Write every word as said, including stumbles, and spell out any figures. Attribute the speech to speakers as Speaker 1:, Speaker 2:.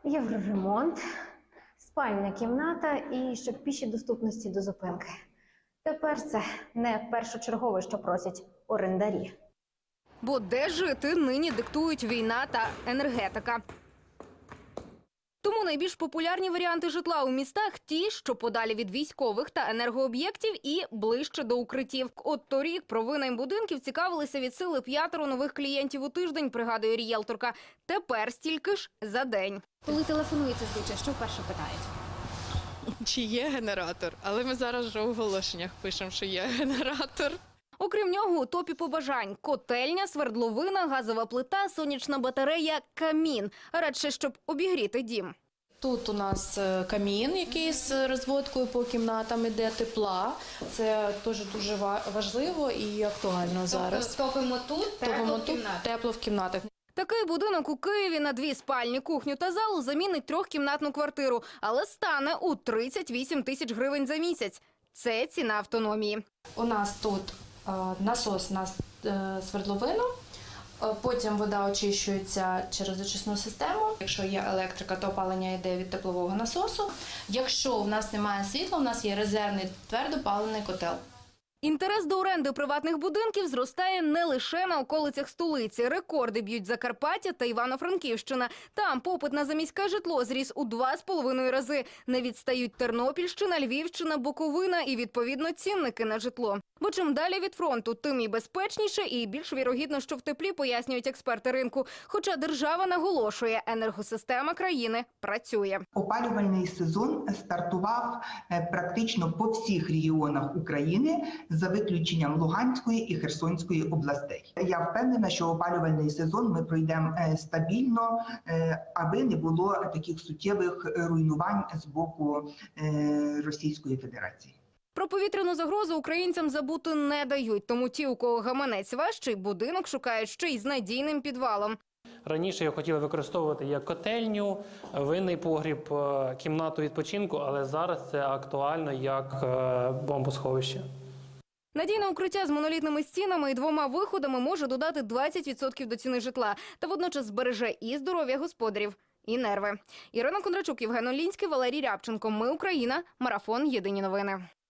Speaker 1: Євроремонт, спальня кімната і щоб піші доступності до зупинки. Тепер це не першочергове, що просять орендарі.
Speaker 2: Бо де жити нині диктують війна та енергетика. Тому найбільш популярні варіанти житла у містах – ті, що подалі від військових та енергооб'єктів і ближче до укриттів. От торік про винайм будинків цікавилися від сили п'ятеро нових клієнтів у тиждень, пригадує рієлторка. Тепер стільки ж за день.
Speaker 1: Коли телефонується звичай, що вперше питають?
Speaker 3: Чи є генератор? Але ми зараз вже у оголошеннях пишемо, що є генератор.
Speaker 2: Окрім нього, у топі побажань – котельня, свердловина, газова плита, сонячна батарея, камін. Радше, щоб обігріти дім.
Speaker 4: Тут у нас камін, який з розводкою по кімнатам іде, тепла. Це теж дуже важливо і актуально зараз.
Speaker 1: Топимо тут,
Speaker 4: Топимо тут, тепло в кімнатах.
Speaker 2: Такий будинок у Києві на дві спальні, кухню та залу замінить трьохкімнатну квартиру, але стане у тридцять вісім тисяч гривень за місяць. Це ціна автономії.
Speaker 4: У нас тут е, насос на е, свердловину, е, потім вода очищується через очисну систему. Якщо є електрика, то опалення йде від теплового насосу. Якщо в нас немає світла, у нас є резервний твердопаливний котел.
Speaker 2: Інтерес до оренди приватних будинків зростає не лише на околицях столиці. Рекорди б'ють Закарпаття та Івано-Франківщина. Там попит на заміське житло зріс у два з половиною рази. Не відстають Тернопільщина, Львівщина, Буковина і, відповідно, цінники на житло. Бо чим далі від фронту, тим і безпечніше, і більш вірогідно, що в теплі, пояснюють експерти ринку. Хоча держава наголошує, енергосистема країни працює.
Speaker 5: Опалювальний сезон стартував практично по всіх регіонах України, за виключенням Луганської і Херсонської областей. Я впевнена, що опалювальний сезон ми пройдемо стабільно, аби не було таких суттєвих руйнувань з боку Російської Федерації.
Speaker 2: Про повітряну загрозу українцям забути не дають, тому ті, у кого гаманець важчий, будинок шукають ще й з надійним підвалом.
Speaker 6: Раніше я хотів використовувати як котельню, винний погріб, кімнату відпочинку, але зараз це актуально як бомбосховище.
Speaker 2: Надійне укриття з монолітними стінами і двома виходами може додати двадцять відсотків до ціни житла та водночас збереже і здоров'я господарів, і нерви. Ірина Кондрачук, Євген Олінський, Валерій Рябченко. Ми Україна. Марафон. Єдині новини.